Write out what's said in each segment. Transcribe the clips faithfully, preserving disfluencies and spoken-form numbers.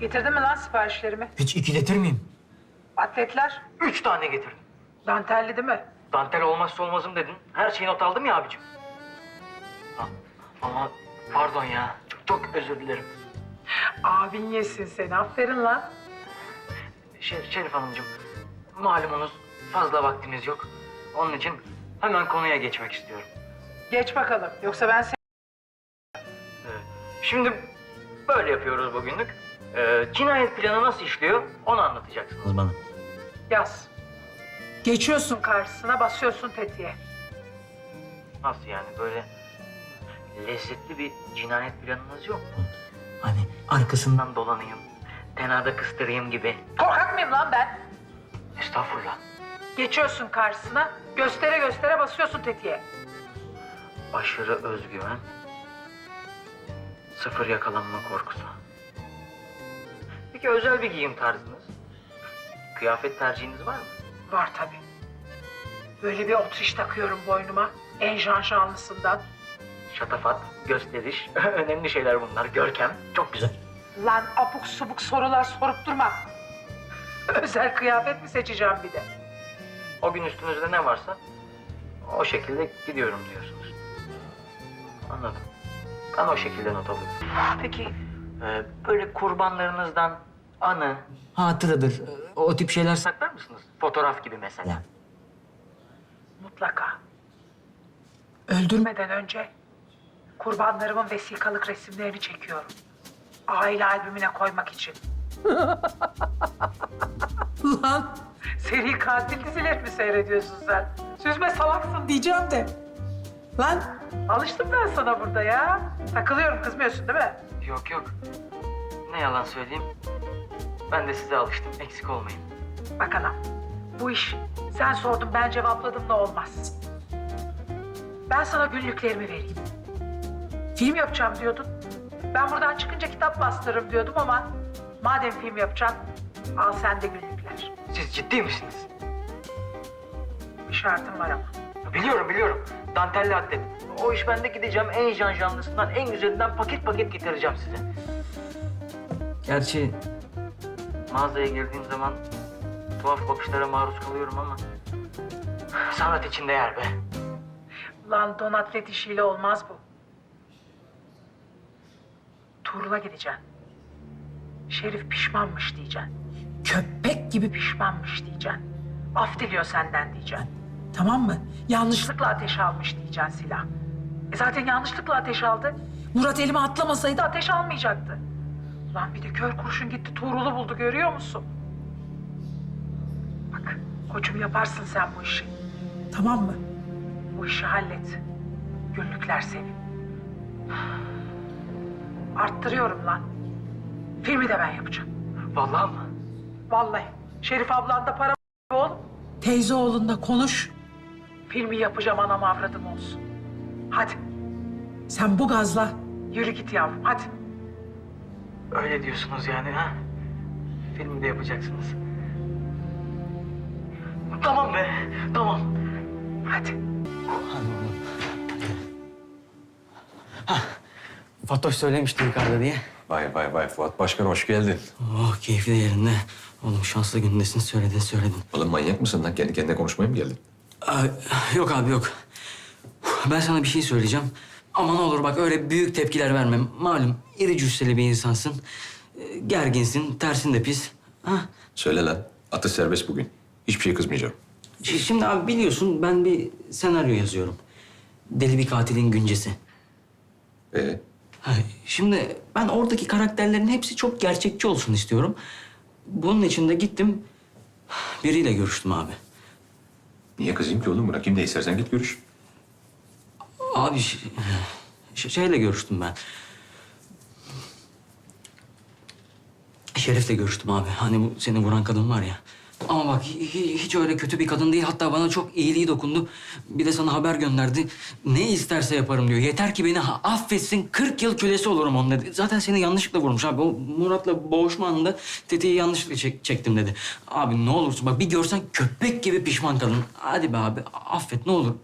Getirdin mi lan siparişlerimi? Hiç ikiletir miyim? Atletler? Üç tane getirdim. Dantelli değil mi? Dantel olmazsa olmazım dedin. Her şeyi not aldım ya abicim. Ha, ama pardon ya. Çok, çok özür dilerim. Abin yesin seni. Aferin lan. Şer Şerif Hanımcığım, malumunuz fazla vaktimiz yok. Onun için hemen konuya geçmek istiyorum. Geç bakalım. Yoksa ben seni... Ee, şimdi böyle yapıyoruz bugünlük. Ee, cinayet planı nasıl işliyor onu anlatacaksınız bana. Yaz. Geçiyorsun karşısına, basıyorsun tetiğe. Nasıl yani, böyle lezzetli bir cinayet planınız yok mu? Hani arkasından... Bundan dolanayım, tenada kıstırayım gibi. Korkak mıyım lan ben? Estağfurullah. Geçiyorsun karşısına, göstere göstere basıyorsun tetiğe. Aşırı özgüven, sıfır yakalanma korkusu. Peki özel bir giyim tarzınız? Kıyafet tercihiniz var mı? Var tabii. Böyle bir otriş takıyorum boynuma. En şanşanlısından. Şatafat, gösteriş, önemli şeyler bunlar. Görkem, çok güzel. Lan abuk subuk sorular sorup durma. Özel kıyafet mi seçeceğim bir de? O gün üstünüzde ne varsa o şekilde gidiyorum diyorsunuz. Anladım. Ben o şekilde not alıyorum. Peki e, böyle kurbanlarınızdan anı Hatıradır. O tip şeyler... saklar mısınız? Fotoğraf gibi mesela. Ya. Mutlaka. Öldürmeden önce kurbanlarımın vesikalık resimlerini çekiyorum. Aile albümüne koymak için. Lan seri katil dizileri mi seyrediyorsun sen? Süzme salaksın diyeceğim de. Lan alıştım ben sana burada ya. Takılıyorum, kızmıyorsun değil mi? Yok yok. Ne yalan söyleyeyim. Ben de size alıştım. Eksik olmayın. Bak anam, bu iş sen sordun ben cevapladım da olmaz. Ben sana günlüklerimi vereyim. Film yapacağım diyordun. Ben buradan çıkınca kitap bastırırım diyordum ama madem film yapacaksın al sen de günlükler. Siz ciddi misiniz? Bir şartım var ama. Biliyorum biliyorum. Dantelli atlet. O iş bende, gideceğim en janjanlısından, en güzelinden paket paket getireceğim size. Gerçi mağazaya girdiğim zaman tuhaf bakışlara maruz kalıyorum ama sanat için değer be. Ulan don atlet işiyle olmaz bu. Tuğrul'a gideceksin. Şerif pişmanmış diyeceksin. Köpek gibi pişmanmış diyeceksin. Af diliyor senden diyeceksin. Tamam mı? Yanlışlıkla ateş almış diyeceksin silah. E zaten yanlışlıkla ateş aldı. Murat elime atlamasaydı ateş almayacaktı. Ulan bir de kör kurşun gitti Tuğrul'u buldu, görüyor musun? Bak koçum, yaparsın sen bu işi. Tamam mı? Bu işi hallet. Günlükler senin. Arttırıyorum lan. Filmi de ben yapacağım. Vallahi mı? Vallahi. Şerif ablan da para oğlum. Teyze oğlunla konuş. Filmi yapacağım, anam avradım olsun. Hadi. Sen bu gazla yürü git yavrum, hadi. Öyle diyorsunuz yani ha? Filmi de yapacaksınız. Tamam be, tamam. Hadi. Fatoş söylemişti yukarıda diye. Vay vay vay Fuat Başkan hoş geldin. Oh, keyfi de yerinde. Oğlum şanslı gündesin, söyledin söyledin. Oğlum manyak mısın lan? Kendi kendine konuşmaya mı geldin? Aa, yok abi yok. Ben sana bir şey söyleyeceğim. Ama ne olur bak öyle büyük tepkiler verme. Malum iri cüsseli bir insansın. Ee, Gerginsin, tersin de pis. Ha? Söyle lan. Atış serbest bugün. Hiçbir şey kızmayacağım. Ş- Şimdi abi biliyorsun ben bir senaryo yazıyorum. Deli bir katilin güncesi. Ee, Ha, Şimdi ben oradaki karakterlerin hepsi çok gerçekçi olsun istiyorum. Bunun için de gittim, biriyle görüştüm abi. niye kızayım ki oğlum? Bırakayım da istersen git görüş. Abi ş- ş- şeyle görüştüm ben. Şerif'le görüştüm abi. Hani bu seni vuran kadın var ya. Ama bak hi- hiç öyle kötü bir kadın değil. Hatta bana çok iyiliği dokundu. Bir de sana haber gönderdi. Ne isterse yaparım diyor. Yeter ki beni ha- affetsin. kırk yıl kölesi olurum onun dedi. Zaten seni yanlışlıkla vurmuş abi. O Murat'la boğuşma anında tetiği yanlışlıkla çek- çektim dedi. Abi ne olursun bak bir görsen köpek gibi pişman kadın. Hadi be abi affet ne olur.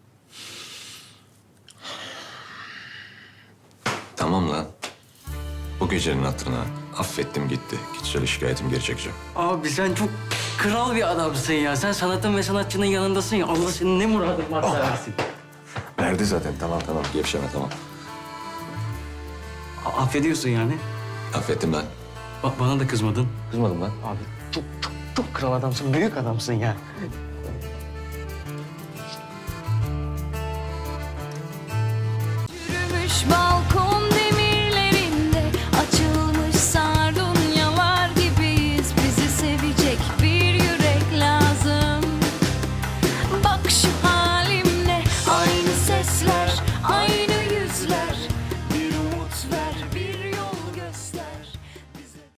Tamam lan. Bu gecenin hatırına affettim gitti. Kişisel şikayetim geri çekeceğim. Abi sen çok kral bir adamsın ya. Sen sanatın ve sanatçının yanındasın ya. Allah senin ne muradın varsa versin. Verdi zaten. Tamam tamam. Gevşeme tamam. A- affediyorsun yani. Affettim lan. Ba- bana da kızmadın. Kızmadım lan. Abi çok çok çok kral adamsın. Büyük adamsın ya. Yürümüş balkon